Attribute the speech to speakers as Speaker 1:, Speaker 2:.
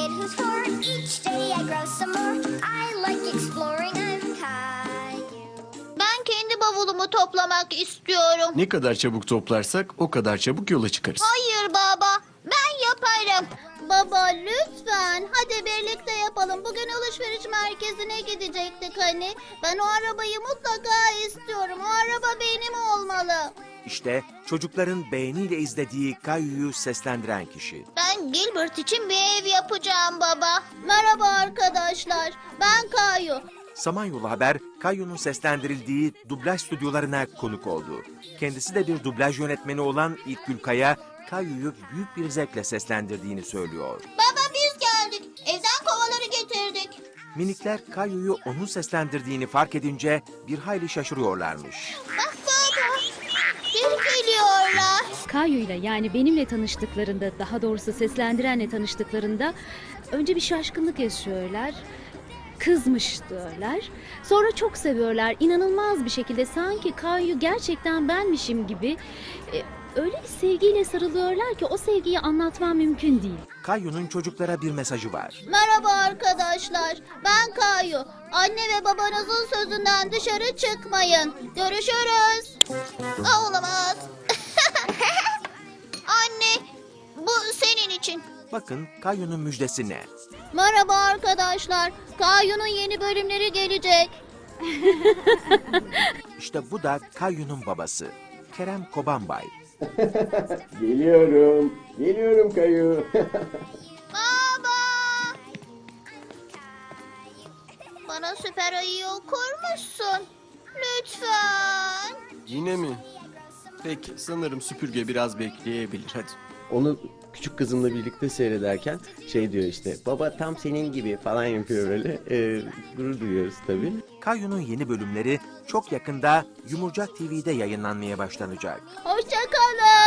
Speaker 1: kid who's four. Each day I grow some more. I like exploring. I'm Caillou.
Speaker 2: Ben kendi bavulumu toplamak istiyorum.
Speaker 3: Ne kadar çabuk toplarsak o kadar çabuk yola çıkarız.
Speaker 2: Hayır baba, ben yaparım. Baba lütfen, hadi birlikte yapalım. Bugün alışveriş merkezine gidecektik hani. Ben o arabayı mutlaka istiyorum. O araba benim olmalı.
Speaker 4: İşte çocukların beğeniyle izlediği Caillou'yu seslendiren kişi.
Speaker 2: Ben Gilbert için bir ev yapacağım baba. Merhaba arkadaşlar, ben Caillou.
Speaker 4: Samanyolu Haber, Caillou'nun seslendirildiği dublaj stüdyolarına konuk oldu. Kendisi de bir dublaj yönetmeni olan İlkgül Kaya, Caillou'yu büyük bir zevkle seslendirdiğini söylüyor.
Speaker 2: Baba biz geldik. Evden kovaları getirdik.
Speaker 4: Minikler Caillou'yu onun seslendirdiğini fark edince bir hayli şaşırıyorlarmış.
Speaker 2: Bak baba, geri geliyorlar.
Speaker 5: Kayu'yla yani benimle tanıştıklarında, daha doğrusu seslendirenle tanıştıklarında önce bir şaşkınlık yaşıyorlar. Kızmış diyorlar. Sonra çok seviyorlar. İnanılmaz bir şekilde sanki Kayu gerçekten benmişim gibi öyle bir sevgiyle sarılıyorlar ki o sevgiyi anlatmam mümkün değil.
Speaker 4: Caillou'nun çocuklara bir mesajı var.
Speaker 2: Merhaba arkadaşlar, ben Caillou. Anne ve babanızın sözünden dışarı çıkmayın. Görüşürüz. Olamaz. Anne, bu senin için.
Speaker 4: Bakın Caillou'nun müjdesi ne?
Speaker 2: Merhaba arkadaşlar, Caillou'nun yeni bölümleri gelecek.
Speaker 4: İşte bu da Caillou'nun babası. Kerem Kobanbay.
Speaker 6: Geliyorum. Geliyorum Kayu.
Speaker 2: Baba! Bana süper ayıyı okur musun? Lütfen.
Speaker 3: Yine mi? Peki sanırım süpürge biraz bekleyebilir hadi.
Speaker 6: Onu küçük kızımla birlikte seyrederken şey diyor işte, baba tam senin gibi falan yapıyor böyle. Gurur duyuyoruz tabii.
Speaker 4: Caillou'nun yeni bölümleri çok yakında Yumurcak TV'de yayınlanmaya başlanacak.
Speaker 2: Hoşça kalın.